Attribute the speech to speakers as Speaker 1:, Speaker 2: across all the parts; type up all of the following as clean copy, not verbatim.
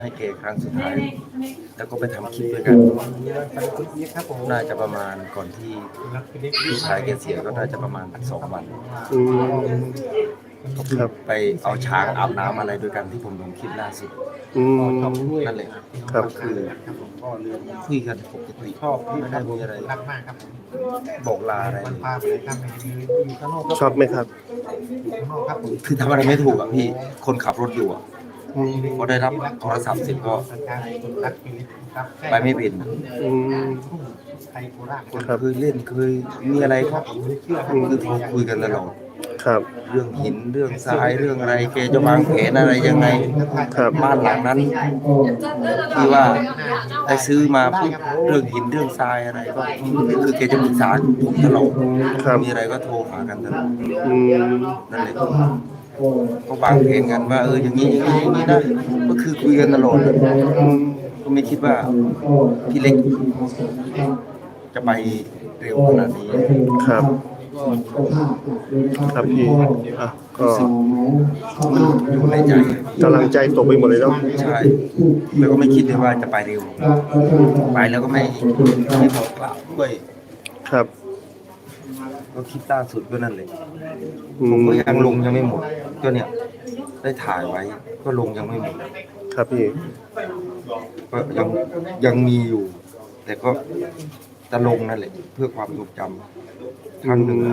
Speaker 1: ให้เกครั้งสุดท้ายแล้วก็ไปทำคลิปด้วยกันน่าจะประมาณก่อนที่พี่ชายแกเสียก็น่าจะประมาณ2 วัน
Speaker 2: ครับ
Speaker 1: ไปเอาช้างอาบน้ำอะไรด้วยกันที่ผมลงคลิปล่าสุดนั่นเลย
Speaker 2: ครับ
Speaker 1: ก็คือคุยกันปกติไม่ได้มีอะไรบอกลาอะไรเลย
Speaker 2: ชอบไหมครับ
Speaker 1: คือทำอะไรไม่ถูกอ่ะพี่คนขับรถอยู่อ่ะพอได้รับโทรศัพท์เสร็จก็ไปไม่เป็น
Speaker 2: อืม ครับ
Speaker 1: เคยเล่นเคยมีอะไรก็คือโทรคุยกันตลอด
Speaker 2: ครับ
Speaker 1: เรื่องหินเรื่องทรายเรื่องอะไรแกจะวางแผนอะไรยังไง
Speaker 2: ครับ
Speaker 1: บ้านหลังนั้นที่ว่าได้ซื้อมาปุ๊บเรื่องหินเรื่องทรายอะไรก็คือแกจะปรึกษาผมตลอด
Speaker 2: ครับ
Speaker 1: มีอะไรก็โทรหากันตลอด
Speaker 2: อืม
Speaker 1: นั่นแหละก็วางแผนกันว่าอย่างนี้อย่างนี้อย่างนี้นะก็คือคุยกันตลอดก็ไม่คิดว่าพี่เล็กจะไปเร็วขนาดนี้
Speaker 2: ครับ ครับพี่อ่ะก็
Speaker 1: มันอยู่ในใจ
Speaker 2: กำลังใจตกไปหมดเลยเนาะ
Speaker 1: ใช่แล้วก็ไม่คิดเลยว่าจะไปเร็วไปแล้วก็ไม่บอกกล่าวด้วย
Speaker 2: ครับ
Speaker 1: ก็คลิปล่าสุดก็นั่นเลย
Speaker 2: อื
Speaker 1: ผม
Speaker 2: ม
Speaker 1: ก็ยังลงยังไม่หมดก็เนี่ยได้ถ่ายไว้ก็ลงยังไม่หมด
Speaker 2: ครับพี่
Speaker 1: ก็ยังมีอยู่ แต่ก็จะลงนั่นแหละเพื่อความทรงจำครั้งหนึ่ง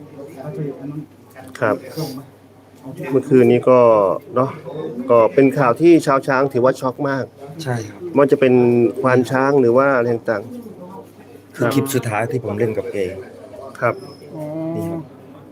Speaker 2: ครับ เมื่อคืนนี้ก็เนาะก็เป็นข่าวที่ชาวช้างถือว่าช็อกมาก
Speaker 1: ใช่ครับ
Speaker 2: มันจะเป็นควานช้างหรือว่าอะไรต่าง
Speaker 1: คือคลิปสุดท้ายที่ผมเล่นกับเก
Speaker 2: ๆครับ
Speaker 1: นี่ครับ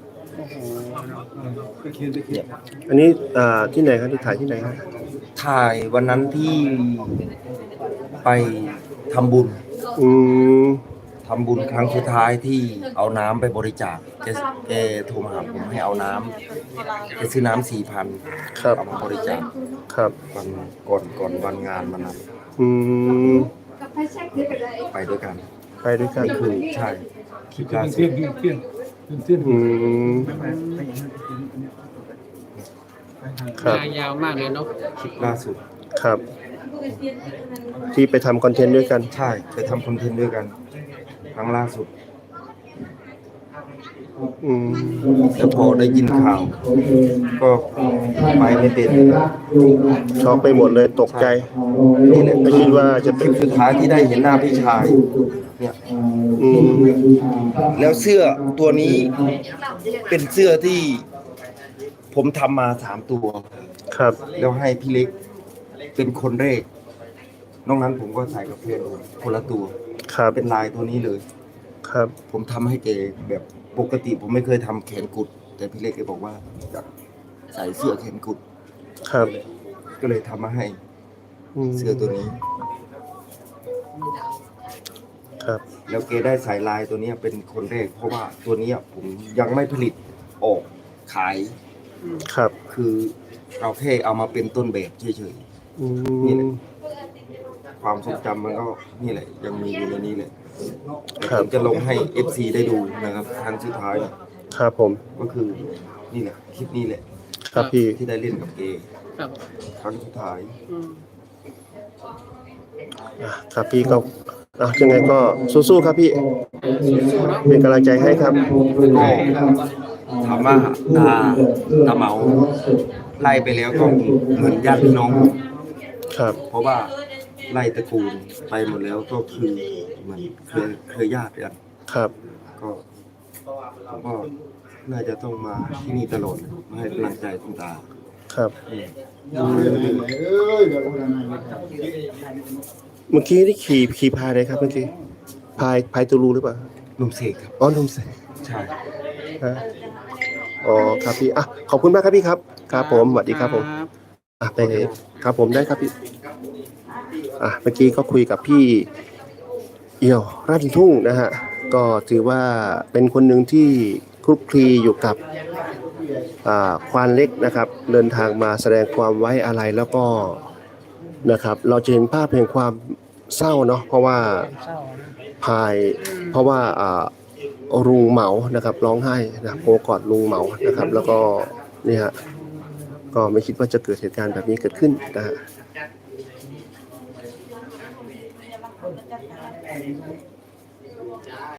Speaker 1: เนี่ย
Speaker 2: อันนี้ที่ไหนครับที่ถ่ายที่ไหนครับ
Speaker 1: ถ่ายวันนั้นที่ไปทำบุญ
Speaker 2: อืม
Speaker 1: ทำบุญครั้งสุดท้ายที่เอาน้ำไปบริจาคแกโทรมาหาผมให้เอาน้ำแกซื้อน้ำ4,000
Speaker 2: ครับ
Speaker 1: เอามาบริจาค
Speaker 2: ครับ
Speaker 1: วันก่อนวันงานมันนั้น
Speaker 2: อืม
Speaker 1: ไปด้วยกัน
Speaker 2: ไปด้วยกัน
Speaker 1: นี่คือใช่คลิปล่าสุด
Speaker 2: อืมครับ
Speaker 3: ยาวมากเลยเนาะ
Speaker 1: คลิปล่าสุด
Speaker 2: ครับ ที่ไปทำคอนเทนต์ด้วยกัน
Speaker 1: ใช่ไปทำคอนเทนต์ด้วยกันครั้งล่าสุด
Speaker 2: อืม
Speaker 1: แล้วพอได้ยินข่าว ก็ไปไม่เป็น
Speaker 2: ช็อกไปหมดเลยตกใจ
Speaker 1: นี่แหละ
Speaker 2: ไม่คิดว่าจะเป็
Speaker 1: คน ลิปสุดท้ายที่ได้เห็นหน้าพี่ชายเนี่ย
Speaker 2: อืม
Speaker 1: แล้วเสื้อตัวนี้เป็นเสื้อที่ผมทำมา3 ตัว
Speaker 2: ครับ
Speaker 1: แล้วให้พี่เล็กเป็นคนแรกนอกนั้นผมก็ใส่กับเพื่อนคนละตัว
Speaker 2: ครับ
Speaker 1: เป็นลายตัวนี้เลย
Speaker 2: ครับ
Speaker 1: ผมทำให้แกแบบปกติผมไม่เคยทำแขนกุด แต่พี่เล็กแกบอกว่าอยากใส่เสื้อแขนกุด
Speaker 2: ครับ
Speaker 1: ก็เลยทำมาให้
Speaker 2: ม
Speaker 1: เสื้อตัวนี้
Speaker 2: ครับ
Speaker 1: แล้วแกได้ใส่ลายตัวนี้เป็นคนแรกเพราะว่าตัวนี้ผมยังไม่ผลิตออกขาย
Speaker 2: ครับ
Speaker 1: คือเราแค่เอามาเป็นต้นแบบเฉย
Speaker 2: อื
Speaker 1: นี่แห
Speaker 2: ม
Speaker 1: ละ ๆความทรงจำมันก็นี่แหละ ยังมีอยู่ในนี้แหละแต่
Speaker 2: ครั
Speaker 1: ผ
Speaker 2: บ
Speaker 1: มจะลงให้ FC ได้ดูนะครับครั้งสุดท้ายเนี่ย
Speaker 2: ครับผม
Speaker 1: ก็คือนี่แหละคลิปนี้แหละ
Speaker 2: ครับพี่
Speaker 1: ที่ได้เล่นกับเก
Speaker 3: ครับ
Speaker 1: ครั้งสุดท้าย
Speaker 3: อืม
Speaker 2: ครับพี่ก็ยังไงก็สู้ๆครับพี่ เป็นกำลังใจให้ครับ
Speaker 1: ก็ถามว่าตาเหมาไล่ไปแล้วก็เหมือนญาติพี่น้องผม
Speaker 2: ครับ
Speaker 1: เพราะว่าไล่ตระกูลไปหมดแล้วก็คือเหมือนเคยญาติกัน
Speaker 2: ครับ
Speaker 1: ก็ผมก็น่าจะต้องมาที่นี่ตลอดมาให้กำลังใจคุณตา
Speaker 2: ครับ
Speaker 1: อืม
Speaker 2: เมื่อกี้นี่ขี่พายเลยครับเมื่อกี้พายตูรูหรือเปล่า
Speaker 1: ลุงเสกครับ
Speaker 2: อ๋อลุงเสก
Speaker 1: ใช่
Speaker 2: ฮะอ๋อครับพี่ขอบคุณมากครับพี่ครับ ครับผมสวัสดีครับผมไปครับผมได้ครับพี่เมื่อกี้ก็คุยกับพี่เอี่ยวราชทุ่งนะฮะก็ถือว่าเป็นคนหนึ่งที่คลุกคลีอยู่กับควานเล็กนะครับ เดินทางมาแสดงความไว้อาลัยแล้วก็นะครับ เราจะเห็นภาพแห่งความเศร้าเนาะเพราะว่าเพราะว่าลุงเหมานะครับร้องไห้นะโผล่กอดลุงเหมานะครับ แล้วก็นี่ฮะก็ไม่คิดว่าจะเกิดเหตุการณ์แบบนี้เกิดขึ้นนะฮะ
Speaker 3: เดี๋ยวมันจะจัดการ